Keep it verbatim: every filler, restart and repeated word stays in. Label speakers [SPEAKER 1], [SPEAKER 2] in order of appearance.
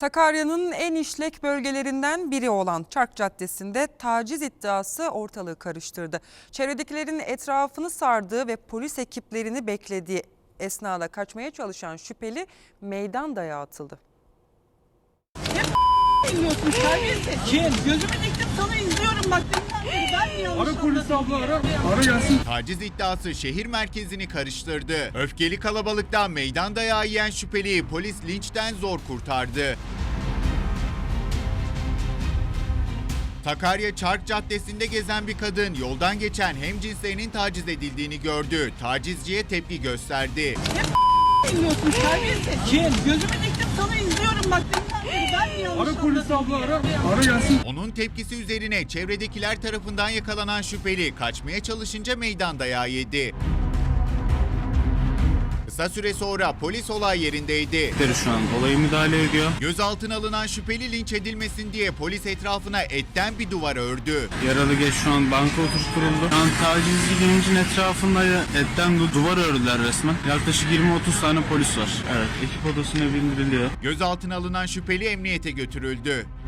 [SPEAKER 1] Sakarya'nın en işlek bölgelerinden biri olan Çark Caddesi'nde taciz iddiası ortalığı karıştırdı. Çevredekilerin etrafını sardığı ve polis ekiplerini beklediği esnada kaçmaya çalışan şüpheli meydan dayağı atıldı.
[SPEAKER 2] Bilmiyorsun terbiyesiz. Kim? Gözümü diktim sana izliyorum bak deminden beri ben mi yanlış
[SPEAKER 3] Ara polis abla ara. Ara gelsin.
[SPEAKER 4] Taciz iddiası şehir merkezini karıştırdı. Öfkeli kalabalıkta meydan dayağı yiyen şüpheliyi polis linçten zor kurtardı. Sakarya Çark Caddesi'nde gezen bir kadın yoldan geçen hemcinslerinin taciz edildiğini gördü. Tacizciye tepki gösterdi.
[SPEAKER 2] Bilmiyorsun terbiyesiz. Kim? Gözümü diktim sana izliyorum bak deminden beri ben mi yanlış
[SPEAKER 3] Ara polis abla ara. Ara gelsin.
[SPEAKER 4] Onun tepkisi üzerine çevredekiler tarafından yakalanan şüpheli kaçmaya çalışınca meydan dayağı yedi. Kısa süre sonra polis olay yerindeydi.
[SPEAKER 5] Şu an olayı müdahale ediyor.
[SPEAKER 4] Gözaltına alınan şüpheli linç edilmesin diye polis etrafına etten bir duvar ördü.
[SPEAKER 5] Yaralı geç şu an banka oturtuldu. Şu an tacizci gencin etrafında etten du- duvar ördüler resmen. Yaklaşık yirmi otuz tane polis var. Evet, ekip odasına bindiriliyor.
[SPEAKER 4] Gözaltına alınan şüpheli emniyete götürüldü.